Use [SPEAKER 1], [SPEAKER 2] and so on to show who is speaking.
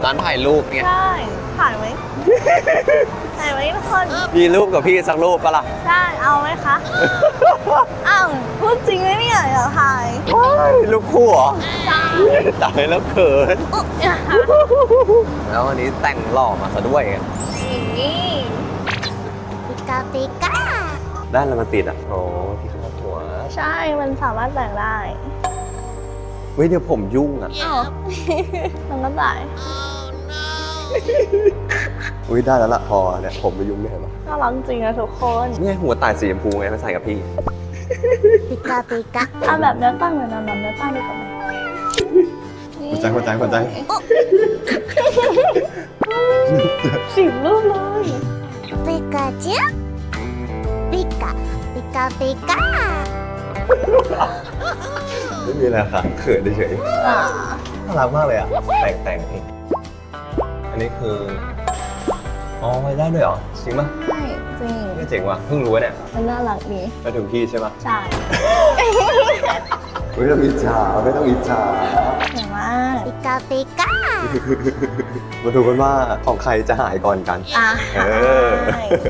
[SPEAKER 1] ร้านถ่ายรูปไง
[SPEAKER 2] ใช่ถ่ายไหม ถ่ายไหมทุกคน
[SPEAKER 1] มีรูปกับพี่สักรูปปะล่ะ
[SPEAKER 2] ได้เอาไหมคะ อ้าวพูดจริงไหมเนี่ยอยากถ่าย
[SPEAKER 1] รูปคู่เหรอ
[SPEAKER 2] จ้า
[SPEAKER 1] ตายแล้วเขิน แล้ววันนี้แต่งหล่อมาซะด้วย
[SPEAKER 2] อย่างนี้
[SPEAKER 3] ปิกาปิกา
[SPEAKER 1] ด้านแล้วมันติดอ่ะโอ้ที่คาดหัว
[SPEAKER 2] ใช่มันสามารถแต่งได้
[SPEAKER 1] เฮ้ยเดี๋ยวผมยุ่งอ่ะ
[SPEAKER 2] อ้าวมันก็ได้
[SPEAKER 1] อุ้ยได้แล้วล่ะพอเนี่ยผมไม่ยุ่งไม่เห็นหรอ
[SPEAKER 2] น่ารักจริงนะทุกคน
[SPEAKER 1] นี่หัวตายสีชมพูไงมาใส่กับพี่
[SPEAKER 3] ปิกาปิกา
[SPEAKER 2] เอาแบบเนื้อตั้งเลยนะแบบเนื้อตั้งดีกว่าไหม
[SPEAKER 1] หัวใจ
[SPEAKER 2] 10 รูปเลย
[SPEAKER 3] ปิกาจูปิกาปิกาปิกา
[SPEAKER 1] ไม่มีอะไรค่ะเขินเฉย
[SPEAKER 2] อ่า
[SPEAKER 1] ๆน่ารักมากเลยอ่ะแต่งเองอันนี้คืออ๋อไว้ได้ด้วยเหรอจริงปะ
[SPEAKER 2] ใช่จริง
[SPEAKER 1] ไม่เจ๋งว่ะเพิ่งรู้เนี่ย
[SPEAKER 2] มันน่ารักดี
[SPEAKER 1] ไปถึงพี่ใช่ปะ
[SPEAKER 2] ใช่
[SPEAKER 1] ไม่ต้องอิจฉาไม่ต้องอิจฉา
[SPEAKER 2] เห็นมาก
[SPEAKER 3] ปิกาปิกา
[SPEAKER 1] มาดูกันว่าของใครจะหายก่อนกัน
[SPEAKER 2] อ่ะ
[SPEAKER 1] เออ
[SPEAKER 2] ใช่